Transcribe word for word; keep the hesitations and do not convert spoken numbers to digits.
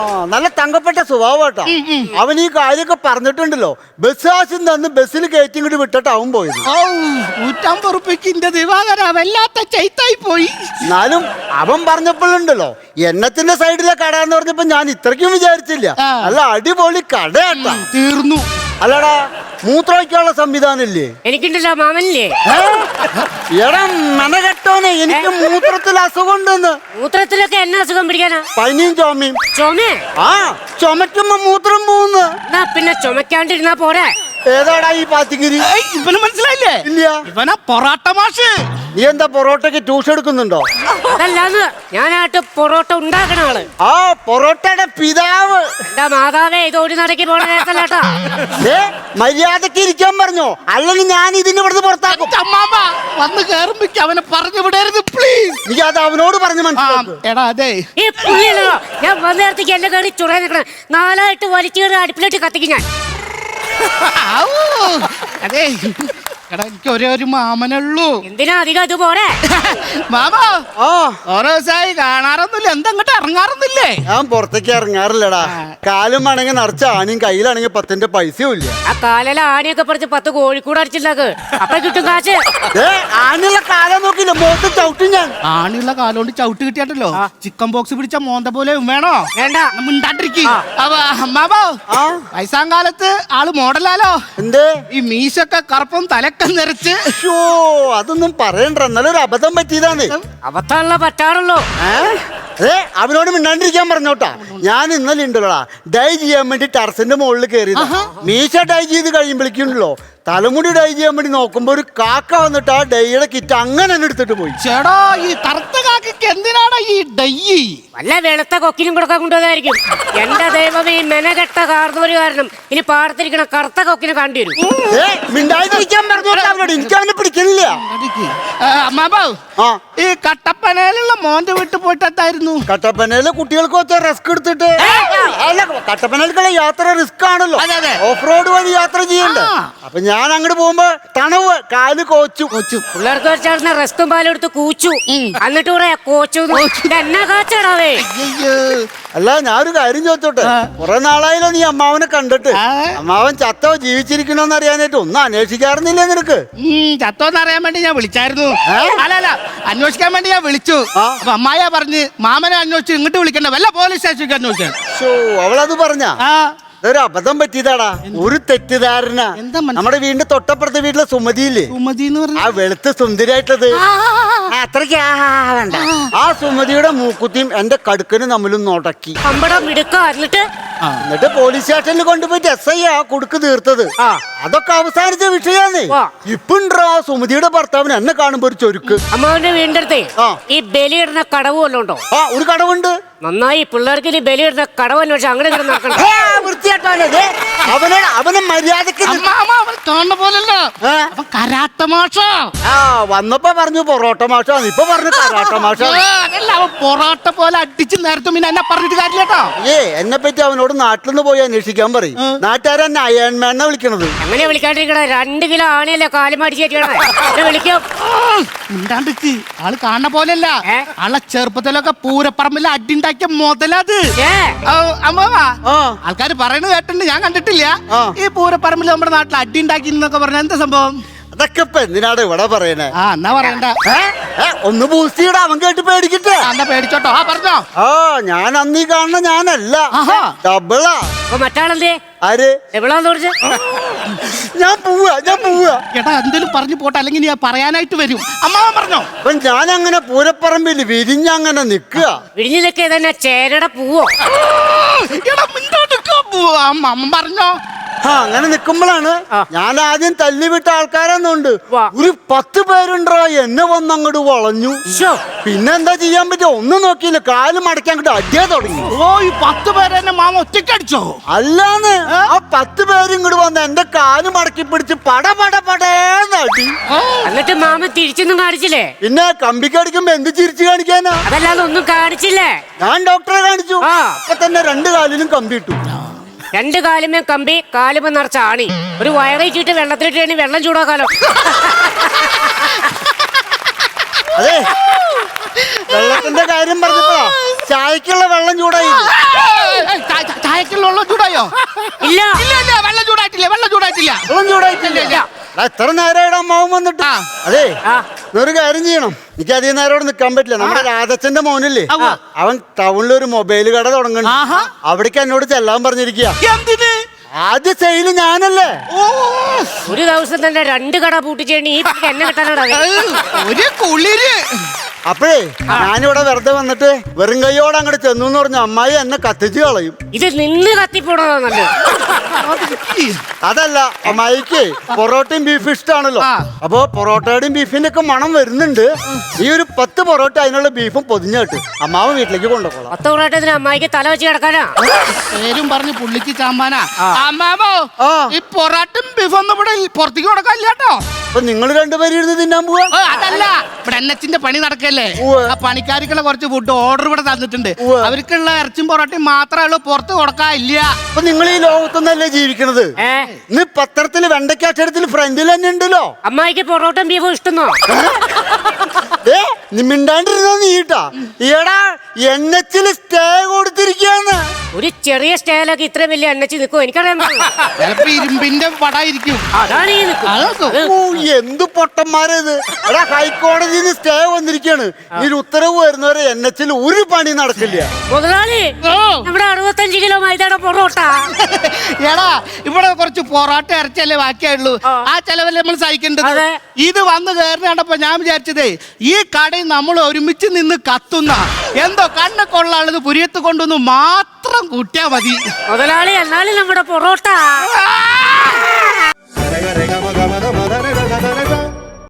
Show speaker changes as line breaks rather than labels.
നല്ല തങ്കപ്പെട്ട സ്വഭാവട്ടാ. അവൻ ഈ കാര്യമൊക്കെ പറഞ്ഞിട്ടുണ്ടല്ലോ. ബസ് ആശം തന്ന് ബസ്സിൽ കയറ്റി ഇങ്ങോട്ട് വിട്ടിട്ട് അവൻ പോയത്.
നൂറ്റമ്പത് റുപ്യക്ക് ദിവാകര വല്ലാത്ത ചൈത്തായി പോയി.
എന്നാലും അവൻ പറഞ്ഞപ്പോഴുണ്ടല്ലോ എണ്ണത്തിന്റെ സൈഡിലെ കട എന്ന് പറഞ്ഞപ്പോ ഞാൻ ഇത്രയ്ക്കും വിചാരിച്ചില്ല. നല്ല അടിപൊളി കടയാട്ടാ.
തീർന്നു.
അല്ലടാ മൂത്രമൊഴിക്കാനുള്ള സംവിധാനം ഇല്ലേ?
എനിക്കുണ്ടല്ലോ മാമനില്ലേ?
എടാ മനകെട്ടോനെ, എനിക്ക് മൂത്രത്തിൽ അസുഖം ഉണ്ടെന്ന്.
മൂത്രത്തിലൊക്കെ എന്നെ അസുഖം പിടിക്കാനാ?
പനിയും ചുമയും.
ചുമ?
ആ, ചുമക്കുമ്പോ മൂത്രം പോകുന്നു.
എന്നാ പിന്നെ ചുമക്കാണ്ടിരുന്നാ പോരെ.
ഏതാടാ ഈ പാത്തിക്കിരി?
ഇവന് മനസ്സിലായില്ലേ?
ഇല്ല.
ഇവനാ പൊറാട്ട മാഷ്.
നീ എന്താ പൊറോട്ടക്ക് ട്യൂഷൻ എടുക്കുന്നുണ്ടോ?
അതല്ലാന്ന്, ഞാനായിട്ട് പൊറോട്ട ഉണ്ടാക്കണ ആള്.
ആ, പൊറോട്ടയുടെ പിതാവ്.
എന്റെ മാതാവേ, ഇത് ഒരു നടക്ക് പോണ കേസല്ലേട്ടാ.
മര്യാദക്ക് ഇരിക്കാൻ പറഞ്ഞോ, അല്ലെങ്കിൽ ഞാൻ ഇതിന് ഇവിടുന്ന് പുറത്താക്കും.
അമ്മാമ വന്ന് കേറുമ്പോ അവനെ പറഞ്ഞു വിടരുത് പ്ലീസ്.
നീ അത് അവനോട് പറഞ്ഞു മനസ്സിലാക്കും.
എടാ അതെ,
ഈ പുള്ളിയല്ലോ ഞാൻ വന്ന നേരത്തേക്ക് എന്നെ കയറി ചുട നിൽക്കണം. നാലായിട്ട് വലിച്ചു കയറി അടുപ്പിലോട്ട് കത്തിക്കും ഞാൻ.
അതെ എടാ, എനിക്ക് ഒരേ ഒരു മാമനുള്ളൂ.
എന്തിനാ അധികം ഇത് പോരെ?
മാമ
ആ,
ഓരോ ദിവസമായി കാണാറൊന്നുമില്ല. എന്താ അങ്ങോട്ട് ഇറങ്ങാറൊന്നുമില്ലേ?
ഞാൻ പുറത്തേക്ക് ഇറങ്ങാറില്ലടാ. കാലും ആണെങ്കിൽ നിറച്ച ആണിയും കയ്യിലാണെങ്കിൽ പത്തിന്റെ പൈസയും ഇല്ല.
ആ കാലില ആനയൊക്കെ പറിച്ച് പത്ത് കോഴിക്കൂട് അടിച്ചിട്ടുണ്ടാക്ക്. അപ്പൊ കിട്ടും കാശ്.
ആനുള്ള കാലം നോക്കില്ല, മോത്ത് ചവിട്ടും ഞാൻ.
ആണിയുള്ള കാലോണ്ട് ചവിട്ട് കിട്ടിയാട്ടല്ലോ ചിക്കൻ ബോക്സ് പിടിച്ച മോന്ത പോലെ വേണോ?
വേണ്ട.
മിണ്ടാണ്ടിരിക്കും. അമ്മാവോ, വയസ്സാം കാലത്ത് ആള് മോഡലാലോ.
എന്തേ
ഈ മീശൊക്കെ കറുപ്പും തലക്ക നിറച്ച്.
അതൊന്നും പറയണ്ട, നല്ലൊരു അബദ്ധം പറ്റിയതാണ്.
അബദ്ധമുള്ള പറ്റാറുള്ളൂ.
ഏ അവനോട് മിണ്ടാണ്ടിരിക്കാൻ പറഞ്ഞോട്ടാ. ഞാൻ ഇന്നലെ ഉണ്ടല്ലോടാ ഡൈ ചെയ്യാൻ വേണ്ടി ടെറസിന്റെ മുകളിൽ കയറിയതാ. മീശ ഡൈ ചെയ്ത് കഴിയുമ്പോഴേക്കുണ്ടല്ലോ തലമുടി ഡൈ ചെയ്യാൻ വേണ്ടി നോക്കുമ്പോ ഒരു കാക്ക വന്നിട്ട് ആ ഡൈയുടെ കിറ്റ് അങ്ങനെ തന്നെ എടുത്തിട്ട് പോയി.
ചേടാ, ഈ കറുത്ത കാക്കയ്ക്ക് എന്തിനാണ് ഈ ഡൈ?
വല്ല വെളുത്ത കൊക്കിനും കൊടുക്കാൻ കൊണ്ടുവന്നായിരിക്കും. എന്റെ ദൈവം, ഈ മെനകെട്ട കാർന്നൂര് കാരണം ഇനി പാടത്തിരിക്കണ കറുത്ത കൊക്കിനെ കണ്ടുവരും.
മിണ്ടാതിരിക്കാൻ പറഞ്ഞോട്ടാ അവനോട്. എനിക്ക് അവനെ പിടിക്കണില്ല.
അമ്മാബോ, ഈ കട്ടപ്പനയിലുള്ള മോന്റെ വീട്ടിൽ പോയിട്ടായിരുന്നു.
കട്ടപ്പനയില് കുട്ടികൾക്ക് വെച്ച റിസ്ക് എടുത്തിട്ട്. അല്ല, കട്ടപ്പനയിലേക്കുള്ള യാത്ര റിസ്ക് ആണല്ലോ. ഓഫ് റോഡ് വഴി യാത്ര ചെയ്യണ്ടേ. അപ്പൊ ഞാൻ അങ്ങോട്ട് പോകുമ്പോ തണവ് കാല് കോച്ചു കോച്ചു
പിള്ളേർക്ക് വെച്ചാൽ റെസ്റ്റും പാലും എടുത്ത് കൂച്ചു. എന്നിട്ട് പറയാ കോച്ചു എന്നാ കാച്ചടാവേ.
അല്ല, ഞാനൊരു കാര്യം ചോദിച്ചോട്ടെ. കുറെ നാളായാലോ നീ അമ്മാവനെ കണ്ടിട്ട്. അമ്മാവൻ ചത്തോ ജീവിച്ചിരിക്കണോന്ന് അറിയാനായിട്ട് ഒന്നും അന്വേഷിക്കാറുന്നില്ലേ നിനക്ക്?
ചത്തോന്ന് അറിയാൻ വേണ്ടി ഞാൻ വിളിച്ചായിരുന്നു. അല്ലല്ല, അന്വേഷിക്കാൻ വേണ്ടി ഞാൻ വിളിച്ചു. അപ്പൊ അമ്മായ പറഞ്ഞ് മാമനെ അന്വേഷിച്ചു ഇങ്ങോട്ട് വിളിക്കണ്ട, വല്ല പോലീസ് സ്റ്റേഷനിലേക്ക് അന്വേഷിക്കാൻ.
അവളത് പറഞ്ഞ ഒരു അബദ്ധം പറ്റിയതാടാ, ഒരു തെറ്റിദ്ധാരണ. നമ്മുടെ വീടിന്റെ തൊട്ടപ്പുറത്തെ വീട്ടിലെ സുമതിയില്ലേ,
സുമതി എന്ന് പറഞ്ഞ
ആ വെളുത്ത് സുന്ദരിയായിട്ടത്, അത്രയ്ക്ക് വേണ്ട. ആ സുമതിയുടെ മൂക്കുത്തിയും എന്റെ കടുക്കനും തമ്മിലും നോട്ടക്കി.
എന്നിട്ട്
എന്നിട്ട് പോലീസ് സ്റ്റേഷനിൽ കൊണ്ടുപോയിട്ട് എസ് ഐ ആ കുടുക്ക് തീർത്തത്. അതൊക്കെ അവസാനിച്ച വിഷയാന്ന്. ഇപ്പുണ്ടോ സുമതിയുടെ ഭർത്താവിന് എന്നെ കാണുമ്പോ ഒരു ചൊരുക്ക്.
അമ്മാവന്റെ വീടിന്റെ അടുത്തേ ഈ ബലിയിടുന്ന കടവ് വല്ലതും ഉണ്ടോ?
ആ, ഒരു കടവുണ്ട്.
നന്നായി, പിള്ളേർക്ക് ഇനി ബലിയിടുന്ന കടവ് അന്വേഷിച്ച് അങ്ങനെ നടക്കണം.
വൃത്തിയായിട്ടാണ് അവനെ അവനെ മര്യാദക്ക്
കാണുന്ന പോലല്ല, കരാട്ട മാഷ.
ആ, വന്നപ്പോ പറഞ്ഞു പൊറോട്ട മാഷാന്ന്, ഇപ്പൊ പറഞ്ഞു കരാട്ട മാഷ.
അതല്ല, അവൻ പൊറോട്ട പോലെ അടിച്ച് നേരത്തെ പിന്നെ എന്നെ പറഞ്ഞിട്ട് കാര്യട്ടോ.
ഏ എന്നെ പറ്റി അവനോട് നാട്ടിൽ നിന്ന് പോയി അന്വേഷിക്കാൻ പറയും. നാട്ടുകാരെന്നെ അയൺമാനെ വിളിക്കണത്.
അങ്ങനെ വിളിക്കാണ്ടിരിക്കണ, രണ്ട് കിലോ ആണയല്ലേ കാലുമാടിച്ച് വിളിക്കും.
മിണ്ടാണ്ടിക്ക്, ആള് കാണുന്ന പോലെയല്ല. ആളെ ചെറുപ്പത്തിലൊക്കെ പൂരപ്പറമ്പിൽ അടിണ്ടാക്കിയ മുതലത്. അമ്മാവാ, ആൾക്കാര് പറയുന്നത് കേട്ടിട്ടുണ്ട്, ഞാൻ കണ്ടിട്ടില്ല. ഈ പൂരപ്പറമ്പിൽ നമ്മുടെ നാട്ടിൽ അടി ഉണ്ടാക്കി എന്നൊക്കെ പറഞ്ഞ എന്താ സംഭവം?
അതൊക്കെ ഇപ്പൊ എന്തിനാണ് ഇവിടെ പറയണേ?
ആ, എന്നാ പറയണ്ട.
ഒന്ന് ബൂസ്റ്റ് ചെയ്യടാ, അവൻ കേട്ട് പേടിക്കട്ടെ.
എന്നാ പേടിച്ചോട്ടോ. ആ, പറഞ്ഞോ.
ആ, ഞാൻ അന്നീ കാണുന്ന ഞാനല്ല, ഡബിളാ.
അപ്പൊ മറ്റാളെന്തേ?
ആര്?
എവിടാന്ന് പറഞ്ഞ?
ഞാൻ പോവാ ഞാൻ പോവാ
ചേട്ടാ, എന്തേലും പറഞ്ഞു പോട്ടെ, അല്ലെങ്കിൽ ഞാൻ പറയാനായിട്ട് വരും. അമ്മാവൻ പറഞ്ഞോ.
അപ്പൊ ഞാൻ അങ്ങനെ പൂരപ്പറമ്പിൽ വിരിഞ്ഞങ്ങനെ നിക്കുക.
വിരിഞ്ഞു നിൽക്കുക തന്നെ ചേരയുടെ പൂവോ?
അമ്മ പറഞ്ഞോ.
ആ, അങ്ങനെ നിക്കുമ്പോഴാണ് ഞാൻ ആദ്യം തല്ലിവിട്ട ആൾക്കാരെന്നുണ്ട് ഒരു പത്ത് പേരുണ്ടോ എന്നെ വന്ന് അങ്ങോട്ട് വളഞ്ഞു. പിന്നെന്താ ചെയ്യാൻ പറ്റും, ഒന്നും നോക്കിയില്ല, കാല് മടക്കാൻ അങ്ങോട്ട് അടിയാ തുടങ്ങി.
ഓ, ഈ പത്ത് പേരെ എന്നെ മാമ ഒറ്റയ്ക്ക് അടിച്ചോ?
അല്ലാന്ന്, ആ പത്ത് പേരും ഇങ്ങോട്ട് വന്ന് എന്റെ കാല് മടക്കി പിടിച്ച് പട പട പടേന്ന് അടി.
എന്നിട്ട് മാമ തിരിച്ചൊന്നും കാണിച്ചില്ലേ?
പിന്നെ കമ്പിക്കടിക്കുമ്പോ എന്ത് ചിരിച്ചു കാണിക്കാനാ?
അതല്ലാതെ ഒന്നും കാണിച്ചില്ലേ?
ഞാൻ ഡോക്ടറെ കാണിച്ചു. അപ്പൊ തന്നെ രണ്ട് കാലിലും കമ്പി ഇട്ടു.
രണ്ട് കാലുമേ കമ്പി, കാലുമേ നിറച്ച ആണി. ഒരു വയറേറ്റിട്ട് വെള്ളത്തിലിട്ട് വെള്ളം ചൂടാക്കാലോ.
അതെ, വെള്ളത്തിന്റെ കാര്യം പറഞ്ഞപ്പോഴാ ചായക്കുള്ള വെള്ളം ചൂടായി.
ബാക്കിയുള്ള വെള്ളം ചൂടായോ?
ഇല്ല
ഇല്ല ഇല്ല വെള്ളം ചൂടായിട്ടില്ല വെള്ളം ചൂടായിട്ടില്ല
വെള്ളം ചൂടായിട്ടില്ല. എടാ, എത്ര നേരമായിട്ട് അമ്മാവൻ വന്നിട്ട്?
ആ.
അതെ
ആ.
ഒരു കാര്യം ചെയ്യണം, എനിക്ക് അധികം നേരം അവിടെ നിൽക്കാൻ പറ്റില്ല. നമ്മുടെ രാധച്ചന്റെ മോനില്ലേ,
ആ.
അവൻ ടൗണിൽ ഒരു മൊബൈൽ കട തുടങ്ങുന്നുണ്ട്.
ആഹാ.
അവിടേക്ക് എന്നോട് ചെല്ലാൻ പറഞ്ഞിരിക്കുക.
എന്തിന്?
ആദ്യ സെയില് ഞാനല്ലേ.
ഓ
ഒരു ദിവസം തന്നെ രണ്ട് കട പൂട്ടിച്ചേണ്ടി ഈ പുള്ളിക്ക് എന്നെ കിട്ടാനാണ്
ഒരു കുളിര്.
അപ്പോഴേ ഞാനിവിടെ വെറുതെ വന്നിട്ട് വെറും കൈയോടെ അങ്ങോട്ട് ചെന്നു എന്ന് പറഞ്ഞു അമ്മായി എന്നെ കത്തിച്ച് കളയും.
ഇത് നിന്ന് കത്തിപ്പോണതാ നല്ലത്.
അതല്ല, അമ്മായിക്ക് പൊറോട്ടയും ബീഫ് ഇഷ്ടമാണല്ലോ.
ആ.
അപ്പൊ പൊറോട്ടയുടെയും ബീഫിന്റെ ഒക്കെ മണം വരുന്നുണ്ട്. ഈ ഒരു പത്ത് പൊറോട്ട അതിനുള്ള ബീഫും പൊതിഞ്ഞിട്ട് അമ്മാവൻ വീട്ടിലേക്ക് കൊണ്ടുപോകണം.
പത്ത് പൊറോട്ടത്തിന് അമ്മായിക്ക് തല വെച്ച് കിടക്കാനാ.
പേരും പറഞ്ഞ് പുള്ളിക്ക് ചാമ്പാനാ. അമ്മാമോ
ആ.
ഈ പൊറാട്ടും ബീഫൊന്നും ഇവിടെ പുറത്തേക്ക് കൊടുക്കാനില്ല കേട്ടോ.
അപ്പൊ നിങ്ങൾ രണ്ടുപേരും ഇരുന്ന് തിന്നാൻ പോവാ?
ഓ, അതല്ല ഇവിടെ എൻ എച്ചിന്റെ പണി നടക്കല്ലേ.
ഉവ്വ്.
ആ പണിക്കാർക്കുള്ള കുറച്ച് ഫുഡ് ഓർഡർ ഇവിടെ തന്നിട്ടുണ്ട്.
ഉവ്വ്.
അവർക്കുള്ള ഇറച്ചും പൊറോട്ടയും മാത്രമേ ഉള്ളൂ, പുറത്ത് കൊടുക്കാനില്ല.
അപ്പൊ നിങ്ങൾ ഈ ലോകത്തൊന്നല്ലേ ജീവിക്കണത്?
ഏ
ഇന്ന് പത്രത്തില് വെണ്ടയ്ക്ക അക്ഷരത്തിൽ ഫ്രണ്ടിൽ തന്നെ ഉണ്ടല്ലോ.
അമ്മായിക്ക് പൊറോട്ടയും ബീഫും ഇഷ്ടന്നോ?
ഏ നീ മിണ്ടാണ്ടിരുന്നോ നീട്ടാ. ഈടാ എൻ എച്ചില് സ്റ്റേ കൊടുത്തിരിക്കാന്ന്.
ഒരു ചെറിയ സ്റ്റേലൊക്കെ ഇത്രയും വലിയ എണ്ണച്ച് നിൽക്കും എനിക്കറിയാൻ പാടില്ല.
ചിലപ്പോ ഇരുമ്പിന്റെ പടായിരിക്കും.
അതാണ് ഈ നിൽക്കും.
അത് നോക്കും.
ഓ എന്ത് പൊട്ടന്മാരത്. എടാ ഹൈക്കോടതിയിൽ നിന്ന് സ്റ്റേ വന്നിരിക്കാണ്. ഈ ഒരു ഉത്തരവ് വരുന്നവരെ എൻ എച്ചിൽ ഒരു പണി നടക്കില്ല.
മുതലാളി
ഓ.
നമ്മുടെ അറുപത്തഞ്ച് കിലോ മൈദയുടെ പൊറോട്ട.
എടാ ഇവിടെ കുറച്ച് പൊറോട്ട ഇറച്ചല്ലേ ബാക്കിയായുള്ളൂ. ആ ചെലവല്ലേ നമ്മൾ സഹിക്കേണ്ടത്.
അതെ.
ഇത് വന്ന് കയറി കണ്ടപ്പോ ഞാൻ വിചാരിച്ചതേ ഈ കടയിൽ നമ്മൾ ഒരുമിച്ച് നിന്ന് കത്തുന്ന എന്തോ കണ്ണ് കൊള്ളാളത് പുരിയത്ത് കൊണ്ടുവന്ന് മാത്രം കൂട്ടിയാ മതി.
മുതലാളി എന്നാലും നമ്മുടെ പൊറോട്ട.
രഗ രഗ മഗ മഗ